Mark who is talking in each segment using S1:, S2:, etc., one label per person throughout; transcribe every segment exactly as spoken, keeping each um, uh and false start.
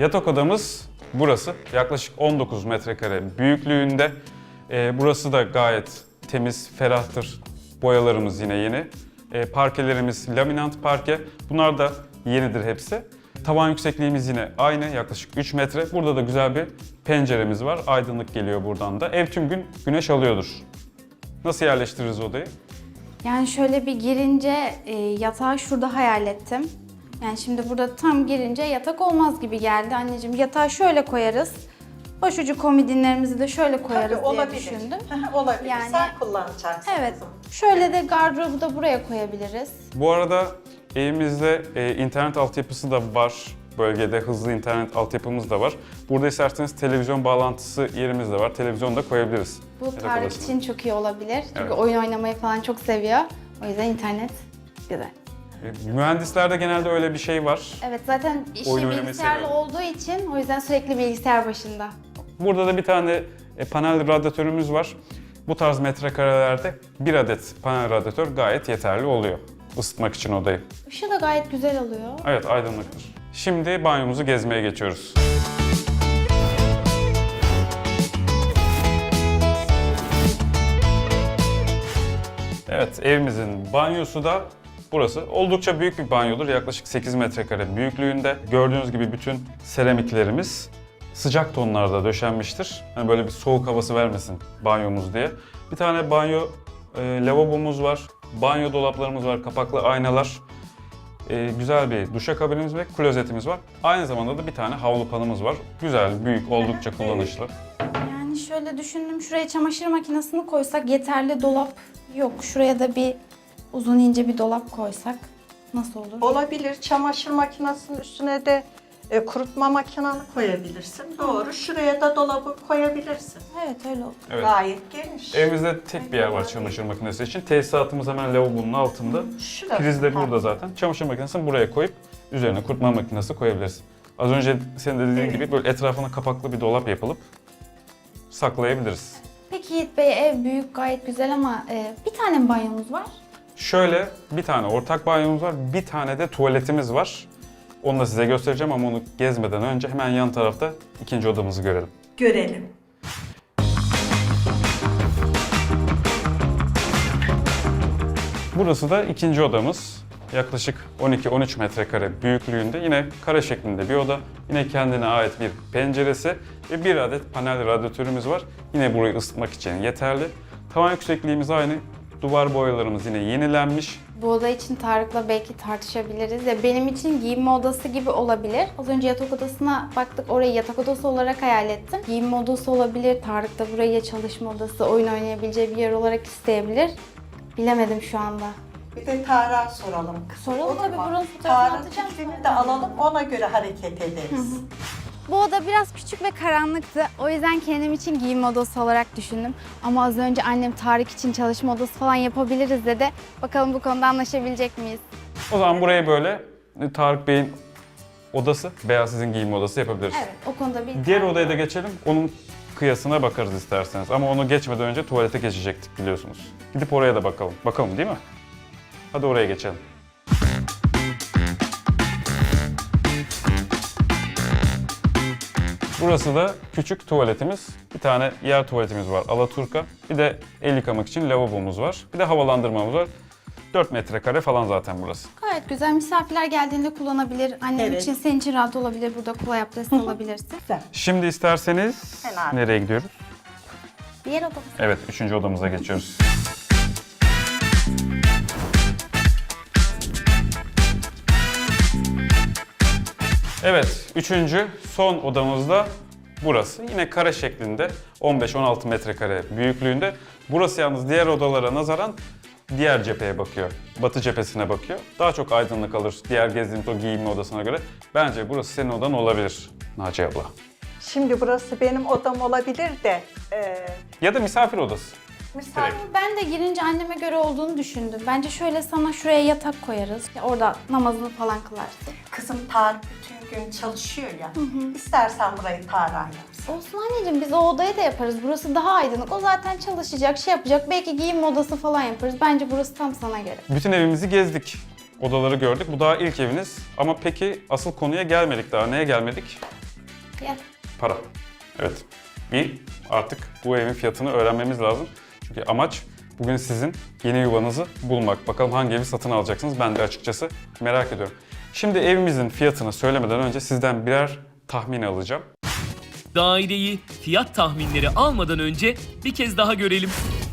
S1: Yatak odamız burası. Yaklaşık on dokuz metrekare büyüklüğünde. Ee, burası da gayet temiz, ferahtır. Boyalarımız yine yeni. Ee, parkelerimiz laminant parke. Bunlar da yenidir hepsi. Tavan yüksekliğimiz yine aynı, yaklaşık üç metre. Burada da güzel bir penceremiz var. Aydınlık geliyor buradan da. Ev tüm gün güneş alıyordur. Nasıl yerleştiririz odayı?
S2: Yani şöyle bir girince e, yatağı şurada hayal ettim. Yani şimdi burada tam girince yatak olmaz gibi geldi anneciğim. Yatağı şöyle koyarız. Başucu komodinlerimizi de şöyle koyarız
S3: Tabii,
S2: diye
S3: olabilir.
S2: düşündüm.
S3: Olabilir.
S2: Yani-
S3: Sen kullanacaksın.
S2: Evet.
S3: kızım.
S2: Şöyle de gardırobu da buraya koyabiliriz.
S1: Bu arada evimizde e, internet altyapısı da var. Bölgede hızlı internet altyapımız da var. Burada isterseniz televizyon bağlantısı yerimiz de var. Televizyon da koyabiliriz.
S2: Bu
S1: yatak
S2: Tarık
S1: odasına.
S2: için çok iyi olabilir. Çünkü
S1: Evet.
S2: oyun oynamayı falan çok seviyor. O yüzden internet güzel.
S1: E, mühendislerde genelde öyle bir şey var.
S2: Evet, zaten işi
S1: Oyun oynamayı
S2: bilgisayarlı
S1: seviyorum.
S2: olduğu için o yüzden sürekli bilgisayar başında.
S1: Burada da bir tane e, panel radyatörümüz var. Bu tarz metrekarelerde bir adet panel radyatör gayet yeterli oluyor ısıtmak için odayı.
S2: Işığı da gayet güzel alıyor.
S1: Evet, aydınlıktır. Şimdi banyomuzu gezmeye geçiyoruz. Evet, evimizin banyosu da burası. Oldukça büyük bir banyodur. Yaklaşık sekiz metrekare büyüklüğünde. Gördüğünüz gibi bütün seramiklerimiz sıcak tonlarda döşenmiştir. Hani böyle bir soğuk havası vermesin banyomuz diye. Bir tane banyo e, lavabomuz var. Banyo dolaplarımız var, kapaklı aynalar. E, güzel bir duşakabinimiz ve klozetimiz var. Aynı zamanda da bir tane havlu panımız var. Güzel, büyük, oldukça kullanışlı.
S2: Yani şöyle düşündüm, şuraya çamaşır makinesini koysak yeterli, dolap yok. Şuraya da bir uzun ince bir dolap koysak nasıl olur?
S3: Olabilir. Çamaşır makinesinin üstüne de e, kurutma makinanı koyabilirsin. Doğru. Şuraya da dolabı koyabilirsin.
S2: Evet, öyle olur.
S1: Evet.
S3: Gayet geniş.
S1: Evimizde tek bir yer var çamaşır makinesi için. Tesisatımız hemen lavabonun altında.
S3: Şurası.
S1: Priz de burada
S3: Ha.
S1: zaten. Çamaşır makinesini buraya koyup üzerine kurutma makinesi koyabiliriz. Az önce senin de dediğin
S3: Evet.
S1: gibi böyle etrafına kapaklı bir dolap yapılıp saklayabiliriz.
S2: Peki Yiğit Bey, ev büyük, gayet güzel ama e, bir tane mi banyomuz var?
S1: Şöyle bir tane ortak banyomuz var, bir tane de tuvaletimiz var. Onu da size göstereceğim ama onu gezmeden önce hemen yan tarafta ikinci odamızı görelim.
S3: Görelim.
S1: Burası da ikinci odamız. Yaklaşık on iki on üç metrekare büyüklüğünde, yine kare şeklinde bir oda. Yine kendine ait bir penceresi ve bir adet panel radyatörümüz var. Yine burayı ısıtmak için yeterli. Tavan yüksekliğimiz aynı. Duvar boyalarımız yine yenilenmiş.
S2: Bu oda için Tarık'la belki tartışabiliriz. Ya benim için giyinme odası gibi olabilir. Az önce yatak odasına baktık, orayı yatak odası olarak hayal ettim. Giyinme odası olabilir. Tarık da burayı ya çalışma odası, oyun oynayabileceği bir yer olarak isteyebilir. Bilemedim şu anda.
S3: Bir de Tarık'a soralım. kızım,
S2: Soralım
S3: olur
S2: tabii,
S3: mu?
S2: buranın fotoğrafını
S3: Tarık'ın
S2: atacağım
S3: fikrini de
S2: zaten.
S3: alalım, ona göre hareket ederiz.
S2: Bu oda biraz küçük ve karanlıktı. O yüzden kendim için giyinme odası olarak düşündüm. Ama az önce annem Tarık için çalışma odası falan yapabiliriz dedi. Bakalım bu konuda anlaşabilecek miyiz?
S1: O zaman burayı böyle Tarık Bey'in odası, Beyaz sizin giyinme odası yapabiliriz.
S2: Evet, o konuda bir...
S1: Diğer odaya da geçelim. Onun kıyasına bakarız isterseniz. Ama onu geçmeden önce tuvalete geçecektik biliyorsunuz. Gidip oraya da bakalım. Bakalım değil mi? Hadi oraya geçelim. Burası da küçük tuvaletimiz. Bir tane yer tuvaletimiz var, alaturka. Bir de el yıkamak için lavabomuz var. Bir de havalandırmamız var. dört metrekare falan zaten burası.
S2: Gayet güzel. Misafirler geldiğinde kullanabilir. Annem
S3: Evet.
S2: için, senin için rahat olabilir. Burada kolay abdest alabilirsin.
S3: Güzel.
S1: Şimdi isterseniz
S3: Fena.
S1: nereye gidiyoruz?
S2: Diğer odamız.
S1: Evet, üçüncü odamıza geçiyoruz. Evet, üçüncü son odamız da burası. Yine kare şeklinde, on beş on altı metrekare büyüklüğünde. Burası yalnız diğer odalara nazaran diğer cepheye bakıyor. Batı cephesine bakıyor. Daha çok aydınlık alır diğer gezdiğimiz o giyinme odasına göre. Bence burası senin odan olabilir Naciye abla.
S3: Şimdi burası benim odam olabilir de e,
S1: Ya da misafir odası.
S3: misafir
S2: Ben de girince anneme göre olduğunu düşündüm. Bence şöyle sana şuraya yatak koyarız. Ya orada namazını falan kılarsın.
S3: kızım Tarık bütün gün çalışıyor ya. İstersen burayı Tarık'a yapsın.
S2: Olsun anneciğim, biz o odayı da yaparız. Burası daha aydınlık. O zaten çalışacak, şey yapacak. Belki giyinme odası falan yaparız. Bence burası tam sana göre.
S1: Bütün evimizi gezdik. Odaları gördük. Bu daha ilk eviniz. Ama peki asıl konuya gelmedik daha. Neye gelmedik?
S2: Fiyat.
S1: Para. Evet. Bir, artık bu evin fiyatını öğrenmemiz lazım. Çünkü amaç bugün sizin yeni yuvanızı bulmak. Bakalım hangi evi satın alacaksınız, ben de açıkçası merak ediyorum. Şimdi evimizin fiyatını söylemeden önce sizden birer tahmin alacağım.
S4: Daireyi fiyat tahminleri almadan önce bir kez daha görelim.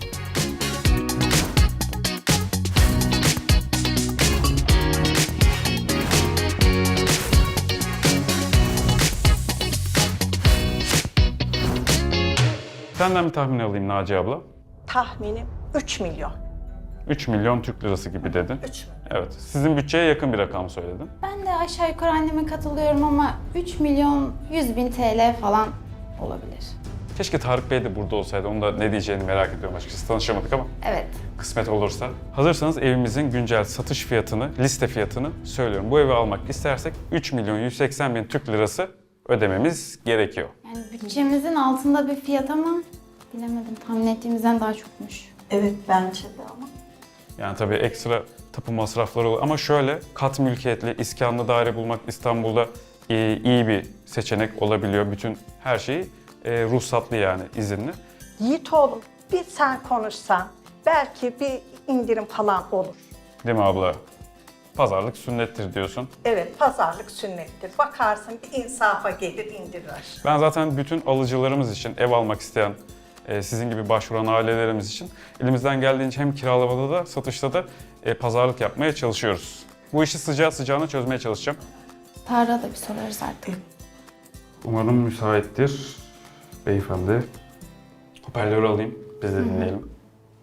S1: Senden bir tahmin alayım Naciye abla.
S3: Tahminim üç milyon.
S1: üç milyon Türk lirası gibi dedin.
S3: üç milyon.
S1: Evet. Sizin bütçeye yakın bir rakam söyledin.
S2: Ben de aşağı yukarı anneme katılıyorum ama üç milyon yüz bin T L falan olabilir.
S1: Keşke Tarık Bey de burada olsaydı. Onun da ne diyeceğini merak ediyorum açıkçası. Tanışamadık ama
S2: Evet.
S1: kısmet olursa. Hazırsanız evimizin güncel satış fiyatını, liste fiyatını söylüyorum. Bu evi almak istersek üç milyon yüz seksen bin Türk lirası ödememiz gerekiyor.
S2: Yani bütçemizin altında bir fiyat ama bilemedim. Tahmin ettiğimizden daha çokmuş.
S3: Evet bence de ama.
S1: Yani tabii ekstra tapu masrafları olur. Ama şöyle, kat mülkiyetli, iskanlı daire bulmak İstanbul'da e, iyi bir seçenek olabiliyor. Bütün her şeyi e, ruhsatlı yani, izinli.
S3: Yiğit oğlum bir sen konuşsan belki bir indirim falan olur.
S1: Değil mi abla? Pazarlık sünnettir diyorsun.
S3: Evet pazarlık sünnettir. Bakarsın bir insafa gelir indirir.
S1: Ben zaten bütün alıcılarımız için, ev almak isteyen, e, sizin gibi başvuran ailelerimiz için elimizden geldiğince hem kiralamada da satışta da e, pazarlık yapmaya çalışıyoruz. Bu işi sıcağı sıcağına çözmeye çalışacağım.
S2: Tarık'a da bir sorarız artık.
S1: Umarım müsaittir beyefendi. Hoparlörü alayım, biz de dinleyelim.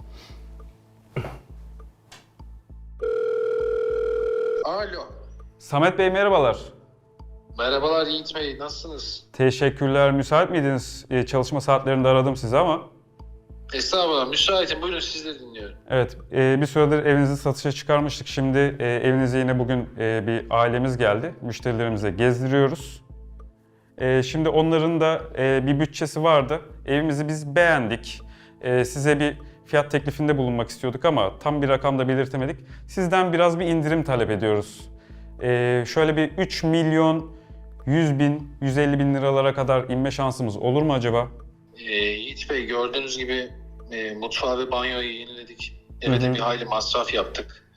S5: Alo.
S1: Samet Bey merhabalar.
S5: Merhabalar Yiğit Bey, nasılsınız?
S1: Teşekkürler. Müsait miydiniz? E, çalışma saatlerinde aradım sizi ama.
S5: Estağfurullah, müsaitim. Buyurun sizleri dinliyorum.
S1: Evet, e, bir süredir evinizi satışa çıkarmıştık. Şimdi e, evinize yine bugün e, bir ailemiz geldi. Müşterilerimize gezdiriyoruz. E, şimdi onların da e, bir bütçesi vardı. Evimizi biz beğendik. E, size bir fiyat teklifinde bulunmak istiyorduk ama tam bir rakam da belirtemedik. Sizden biraz bir indirim talep ediyoruz. E, şöyle bir üç milyon yüz bin, yüz elli bin liralara kadar inme şansımız olur mu acaba?
S5: Ee, Yiğit Bey, gördüğünüz gibi e, mutfağı ve banyoyu yeniledik. Evet,
S1: Hı hı.
S5: bir hayli masraf yaptık.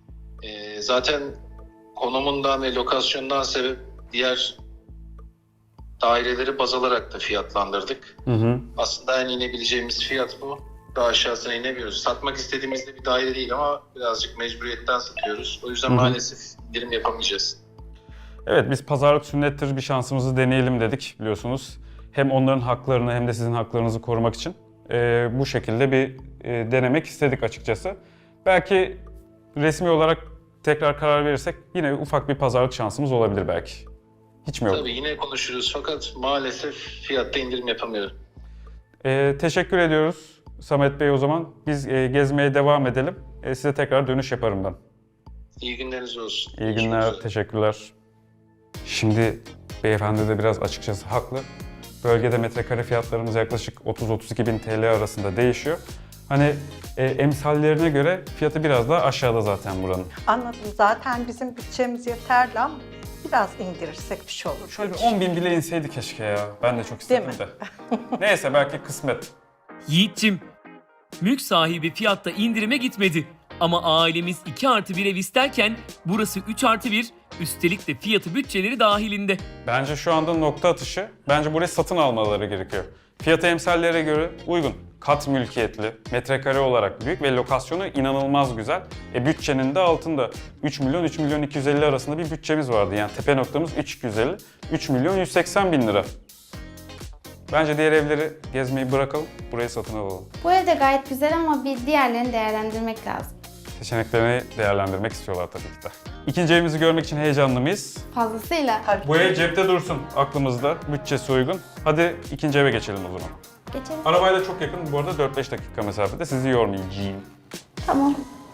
S5: E, zaten konumundan ve lokasyondan sebep diğer daireleri baz alarak da fiyatlandırdık.
S1: Hı hı.
S5: Aslında en inebileceğimiz fiyat bu. Daha aşağısına inemiyoruz. Satmak istediğimizde bir daire değil ama birazcık mecburiyetten satıyoruz. O yüzden
S1: Hı hı.
S5: maalesef indirim yapamayacağız.
S1: Evet, biz pazarlık sünnettir, bir şansımızı deneyelim dedik biliyorsunuz. Hem onların haklarını hem de sizin haklarınızı korumak için e, bu şekilde bir e, denemek istedik açıkçası. Belki resmi olarak tekrar karar verirsek yine ufak bir pazarlık şansımız olabilir belki. Hiç mi yok?
S5: Tabii yine konuşuruz fakat maalesef fiyatta indirim yapamıyorum.
S1: E, teşekkür ediyoruz Samet Bey o zaman. Biz e, gezmeye devam edelim. E, size tekrar dönüş yaparım ben.
S5: İyi günleriniz olsun.
S1: İyi
S5: Görüşmek
S1: günler,
S5: üzere.
S1: teşekkürler. Şimdi beyefendi de biraz açıkçası haklı. Bölgede metrekare fiyatlarımız yaklaşık otuz otuz iki bin T L arasında değişiyor. Hani e, emsallerine göre fiyatı biraz daha aşağıda zaten buranın.
S3: Anladım zaten bizim bütçemiz yeterli ama biraz indirirsek bir şey olur.
S1: Şöyle bir on bin bile inseydi keşke ya. Ben de çok istedim
S3: Değil
S1: de. Neyse belki kısmet.
S4: Yiğit'cim, mülk sahibi fiyatta indirime gitmedi. Ama ailemiz iki artı bir ev isterken burası üç artı bir, üstelik de fiyatı bütçeleri dahilinde.
S1: Bence şu anda nokta atışı. Bence burayı satın almaları gerekiyor. Fiyatı emsallere göre uygun. Kat mülkiyetli, metrekare olarak büyük ve lokasyonu inanılmaz güzel. E bütçenin de altında üç milyon üç milyon iki yüz elli arasında bir bütçemiz vardı. Yani tepe noktamız üç iki yüz elli, üç milyon yüz seksen bin lira. Bence diğer evleri gezmeyi bırakalım, burayı satın alalım.
S2: Bu ev de gayet güzel ama bir diğerlerini değerlendirmek lazım.
S1: Seçeneklerini değerlendirmek istiyorlar tabii ki de. İkinci evimizi görmek için heyecanlı mıyız?
S2: Fazlasıyla.
S3: Tabii.
S1: Bu ev cepte dursun aklımızda, bütçesi uygun. Hadi ikinci eve geçelim o zaman.
S2: Geçelim.
S1: Arabayla çok yakın, bu arada dört beş dakika mesafede, sizi yormayacağım.
S2: Tamam.